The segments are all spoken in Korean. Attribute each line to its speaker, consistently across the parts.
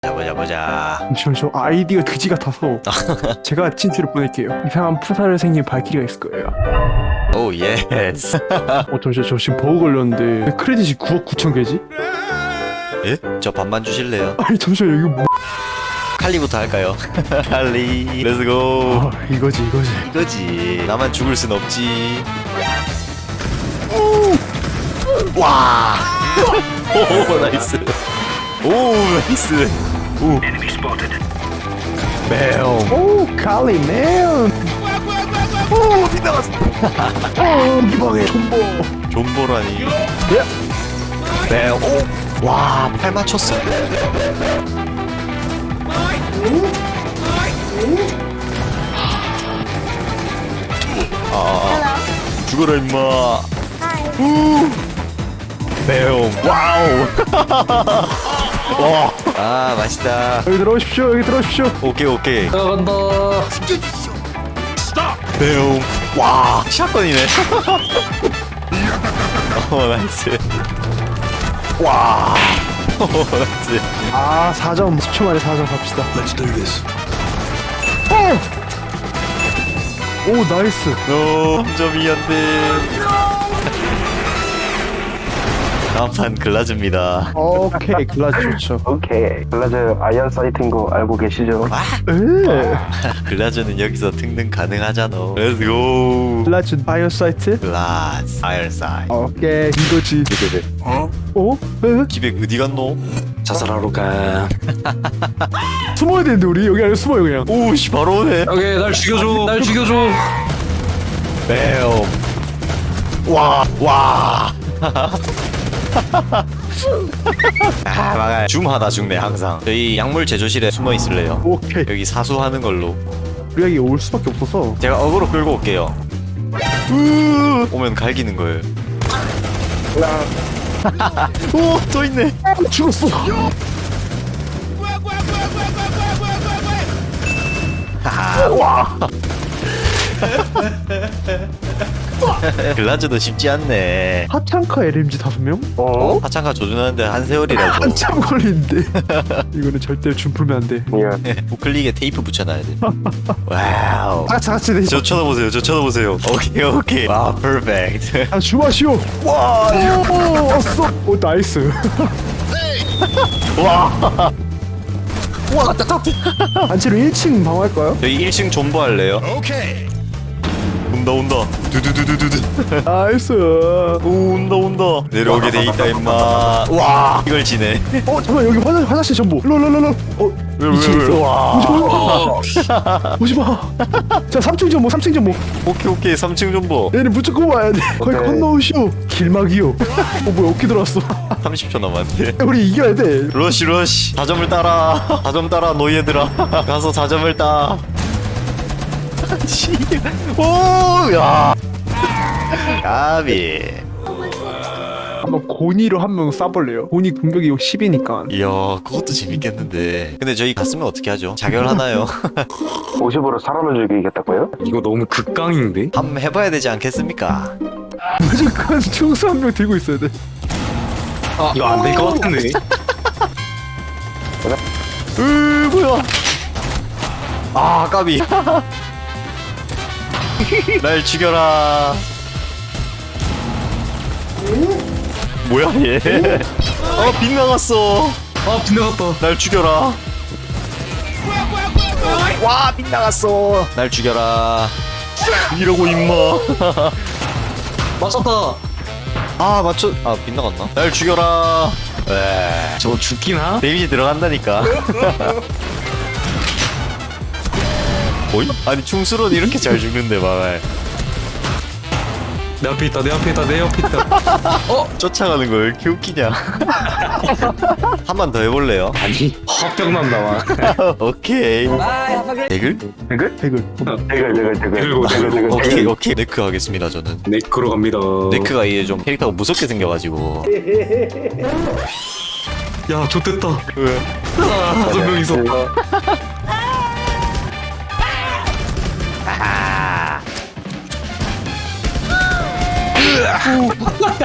Speaker 1: 보자.
Speaker 2: 잠시만요. 저 아이디가 그지 같아서 제가 진출을 보낼게요. 이상한 푸사를 생긴 발키리가 있을 거예요.
Speaker 1: 오 예스.
Speaker 2: 잠시만, 저 지금 버그 걸렸는데 왜 크레딧이 9억 9천 개지?
Speaker 1: 예? 저 반만 주실래요?
Speaker 2: 아니 잠시만, 이거 뭐...
Speaker 1: 칼리부터 할까요? 칼리 렛츠고.
Speaker 2: 아, 이거지.
Speaker 1: 이거지. 나만 죽을 순 없지. 와. 오 나이스. 오 나이스. 오. 매우.
Speaker 2: 오, 칼리 맨.
Speaker 1: 오 빗나갔어.
Speaker 2: 오, 기방해. 존버.
Speaker 1: 존버라니. 매우. 오. 와, 팔 맞췄어. 죽어라 임마. 매우. 와우. 와. 아 맛있다.
Speaker 2: 여기 들어오십시오.
Speaker 1: 오케이.
Speaker 3: 나간다.
Speaker 1: 매우. 와. 샷건이네. 나이스. 와. 나이스.
Speaker 2: 아, 4점. 10초 만에 4점 갑시다.
Speaker 3: Let's do this.
Speaker 2: 오, 나이스.
Speaker 1: 3점이었네. 다음 판 글라즈입니다.
Speaker 2: 오케이, 글라즈 좋죠.
Speaker 4: 오케이. 글라즈 아이언 사이트인 거 알고 계시죠?
Speaker 1: 글라즈는 여기서 등등 가능하잖아. 렛츠고.
Speaker 2: 글라즈 바이오사이트?
Speaker 1: 글라즈 아이언사이.
Speaker 2: 오케이, 이거지. 어? 에?
Speaker 1: 기백 어디 갔노?
Speaker 3: 자살하러 가.
Speaker 2: 숨어야 되는데 우리 여기 안에 숨어요 그냥.
Speaker 1: 오씨 바로 오네.
Speaker 3: 오케이, 날 죽여줘.
Speaker 1: 매우. 와. 막아요. 줌하다 죽네 항상. 저희 약물 제조실에 숨어 있을래요.
Speaker 2: 오케이.
Speaker 1: 여기 사수하는 걸로.
Speaker 2: 우리 여기 올 수밖에 없어서.
Speaker 1: 제가 어그로 끌고 올게요. 오면 갈기는 거예요. 오, 또 있네.
Speaker 2: 죽었어.
Speaker 1: 와. 글라즈도 쉽지 않네.
Speaker 2: 하창카 LMG 5명?
Speaker 1: 어? 하창가 조준하는데 한 세월이라고.
Speaker 2: 한참 걸리는데. 이거는 절대 줌 풀면 안 돼.
Speaker 1: 우클릭에 테이프 붙여놔야 돼. 와우.
Speaker 2: 같이 내.
Speaker 1: 저 쳐다보세요. 오케이. 와, 퍼펙트.
Speaker 2: 아, 줌하시오. 와, 오, 왔어. 오, 나이스.
Speaker 1: 와, 따뜻해.
Speaker 2: 단체로 1층 방어할까요?
Speaker 1: 여기 1층 존버 할래요? 오케이. 온다. 두두두두두두.
Speaker 2: 나이스.
Speaker 1: 오, 온다. 내려오게 돼 있다 임마. 와, 이걸 지네.
Speaker 2: 잠깐, 여기 화장실 전부. 롤.
Speaker 1: 왜?
Speaker 2: 2층 있어.
Speaker 1: 와.
Speaker 2: 오지마. 자, 3층 전부.
Speaker 1: 오케이. 3층 존버.
Speaker 2: 얘는 무조건 와야 돼. 거기 건너오시오. 길막이요. 뭐야, 어깨 들어왔어.
Speaker 1: 30초 남았네.
Speaker 2: 우리 이겨야 돼.
Speaker 1: 러시. 4점을 따라. 4점 따라 너희들아. 가서 4점을 따. 오, 야. 까비.
Speaker 2: 한번 고니로 한 명 쏴볼래요. 고니 공격이 10이니까.
Speaker 1: 이야, 그것도 재밌겠는데. 근데 저희 갔으면 어떻게 하죠? 자결하나요?
Speaker 4: 50으로 사람을 죽이겠다고요?
Speaker 3: 이거 너무 극강인데?
Speaker 1: 한번 해봐야 되지 않겠습니까?
Speaker 2: 무조건 총수 한 명 들고 있어야 돼.
Speaker 3: 이거 안 될 것 같은데?
Speaker 1: 뭐야? 아, 까비. 날 죽여라. 뭐야 얘? 빗나갔어.
Speaker 3: 빗나갔다.
Speaker 1: 날 죽여라. 와, 빗나갔어. 날 죽여라. 이러고 임마.
Speaker 3: 맞췄다.
Speaker 1: 빗나갔나? 날 죽여라. 에.
Speaker 3: 저거 죽기나?
Speaker 1: 데미지 들어간다니까. 뭐이? 아니 충수로는 이렇게 잘 죽는데 말.
Speaker 3: 내 앞에 있다.
Speaker 1: 쫓아가는 거 왜 이렇게 웃기냐. 한 번 더 해볼래요?
Speaker 3: 아니, 화병 난다, 와.
Speaker 1: 오케이. 대글? 오케이. 네크 하겠습니다 저는.
Speaker 3: 네크로 갑니다.
Speaker 1: 네크가 이게 좀 캐릭터가 무섭게 생겨가지고.
Speaker 3: 야, 좋됐다.
Speaker 1: 왜?
Speaker 3: 5명 있었다.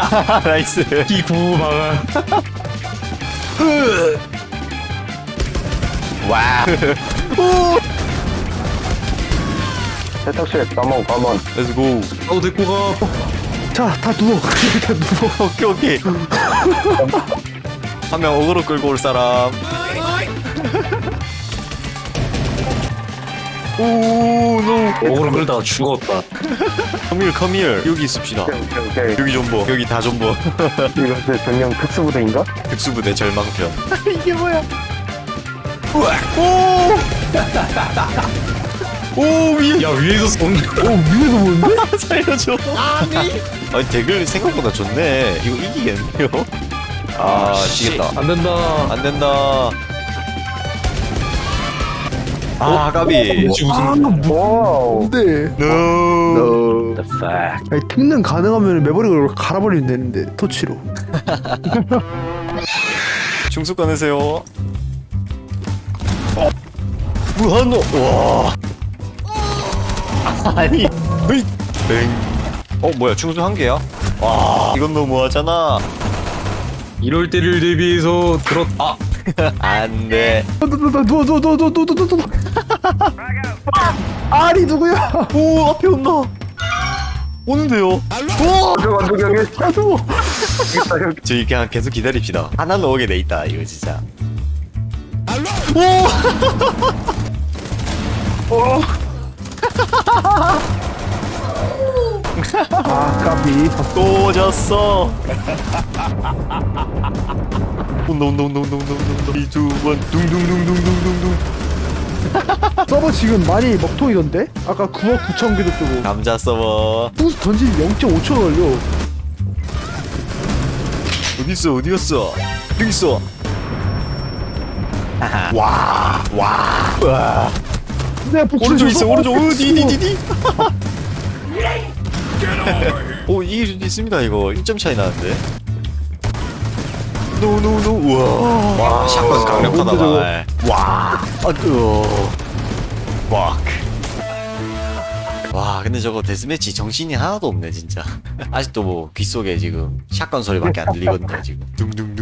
Speaker 1: 나이스.
Speaker 3: 이 부부방안.
Speaker 1: 와.
Speaker 4: 세탁실 가만.
Speaker 1: Let's go.
Speaker 3: 나도 데리고 가.
Speaker 2: 자, 다 누워. 다 누워.
Speaker 1: 오케이. 한 명 어그로 끌고 올 사람. 오, 노.
Speaker 3: 먹으러 끌다가 죽었다.
Speaker 1: Come here. 여기 있읍시다.
Speaker 4: 오케이.
Speaker 1: 여기 존버. 여기 다 존버.
Speaker 4: 이것은 전용 특수부대인가?
Speaker 1: 특수부대 절망편.
Speaker 2: 이게 뭐야?
Speaker 1: 오, 위에.
Speaker 3: 야 위에서 쏜다.
Speaker 2: 위에서 보는데?
Speaker 1: 살려줘. 아니 대글 생각보다 좋네. 이거 이기겠네요. 아, 지겠다.
Speaker 3: 안 된다.
Speaker 1: 안 된다. 아, 까비.
Speaker 3: 혹시 무슨
Speaker 4: 와우.
Speaker 2: 뭔데?
Speaker 1: No.
Speaker 3: the fuck?
Speaker 2: 아니, 특능 가능하면 매버릭을 갈아버리면 되는데 터치로.
Speaker 1: 중수 꺼내세요. 무한노. 와. 아니. 으이. 뱅. 뭐야? 중수 한 개야? 와, 이건 너무하잖아.
Speaker 3: 이럴 때를 대비해서 들었.
Speaker 1: 안 돼.
Speaker 2: 누워. 아리 누구야?
Speaker 1: 오, 앞에 온다. 오는데요.
Speaker 4: 완전 여기.
Speaker 2: 아 누워.
Speaker 4: 있다 여기.
Speaker 1: 저희 그냥 계속 기다립시다. 하나 넣오게 돼 있다. 이거 진짜.
Speaker 2: 아 까비.
Speaker 1: 또 졌어. 온다. 이두번 둥둥둥둥둥둥둥.
Speaker 2: 서버 지금 많이 먹통이던데? 아까 9억 9천 개도 뜨고.
Speaker 1: 감자 서버.
Speaker 2: 풍수 던지면 0.5초 걸려.
Speaker 1: 어디 갔어? 여기 있어. 와.
Speaker 2: 내가 복수
Speaker 1: 오른쪽
Speaker 2: 줬어.
Speaker 1: 있어. 오른쪽.
Speaker 2: 복수.
Speaker 1: 디디디디. 오, 이길 수도 있습니다. 이거 1점 차이 나는데. 노. 우와. 와, 샷건 강력하다 말. 와. 와, 근데 저거 데스매치 정신이 하나도 없네 진짜. 아직도 뭐 귓속에 지금 샷건 소리밖에 안 들리거든요 지금. 둥둥.